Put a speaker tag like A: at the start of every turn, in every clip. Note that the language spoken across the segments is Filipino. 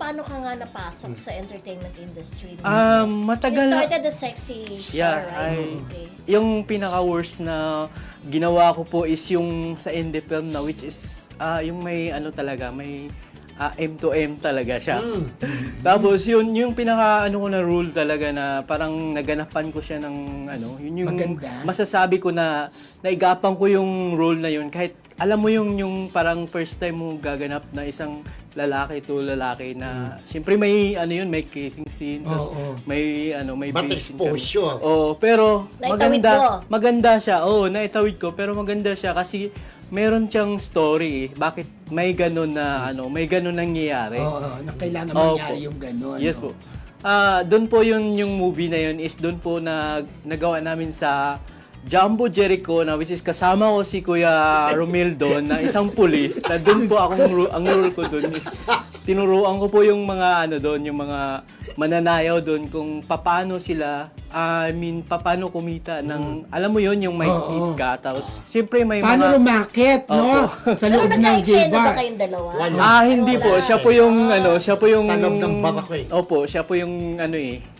A: paano ka nga napasok sa entertainment industry?
B: Matagal
A: You
B: na.
A: started as sexy star,
B: Yeah,
A: right? Okay.
B: Yung pinaka-worst na ginawa ko po is yung sa indie film na which is yung may ano talaga, may M to M talaga siya. Tapos yung pinaka ano ko na rule talaga na parang naganapan ko siya ng ano, yun yung
C: Maganda.
B: masasabi ko na naigapang ko yung role na yun kahit alam mo yung parang first time mo gaganap na isang lalaki to lalaki na siyempre may ano yun, may kissing scene, tapos may ano, may
D: But
B: big scene kami.
D: exposure.
B: Pero
A: Naitawid
B: maganda siya. Naitawid ko pero maganda siya kasi meron siyang story bakit may ganun na ano, may ganun nangyayari.
C: Na kailangan
B: Opo.
C: mangyari yung gano'n.
B: Yes po. Doon po yung movie na yun is doon po nagawa namin sa Jumbo Jericho na which is kasama ko si Kuya Romel doon na isang pulis. Na doon po ang role ko doon is tinuruan ko po yung mga ano doon, yung mga mananayaw doon kung paano sila paano kumita ng alam mo yon yung may tip ka tapos siyempre may
C: Paano
B: mga
C: rumakit, no? Sa
A: Pero
C: loob ng
A: nagka-eksena ba
C: J-bar.
A: kayong dalawa?
D: Wala.
B: hindi po. Siya po yung ano, siya po yung
D: Sa loob ng barako eh.
B: Opo, siya po yung ano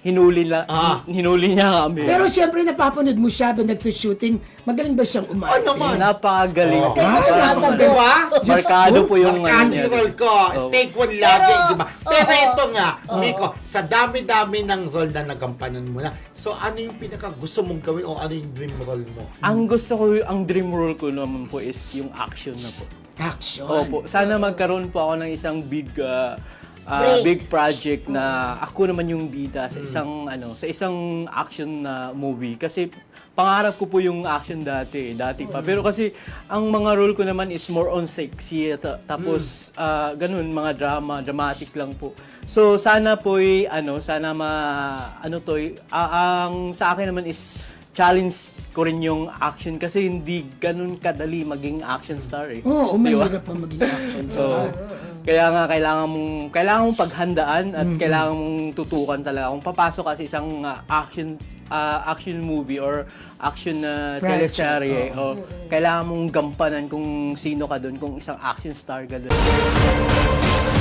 B: hinuli niya kami.
C: Pero siyempre napapanood mo siya ba nagsushooting, magaling ba siyang umarte?
D: Ano naman?
B: Napakagaling.
D: Di ba?
B: Markado po yung
D: Markado
B: ano niya.
D: yung role ko. Take one lagi, di ba? Pero ito nga, Miko, sa dami-dami ng role na nagampanan mo na, so ano yung pinaka gusto mong gawin o ano yung dream role mo?
B: Ang gusto ko, ang dream role ko naman po is yung action na po.
C: Action.
B: Opo, sana magkaroon po ako ng isang big
A: Break.
B: big project na ako naman yung bida sa isang action na movie kasi pangarap ko po yung action dati pa. Pero kasi ang mga role ko naman is more on sexy tapos ganun mga dramatic lang po. So sana po ang sa akin naman is challenge ko rin yung action kasi hindi ganun kadali maging action star eh.
C: Oo,
B: Di ba?
C: mahirap pa maging action
B: So,
C: star.
B: kaya nga kailangan mong paghandaan at kailangan mong tutukan talaga. Kung papasok ka sa isang action movie or action teleserye, kailangan mong gampanan kung sino ka doon, kung isang action star ka doon.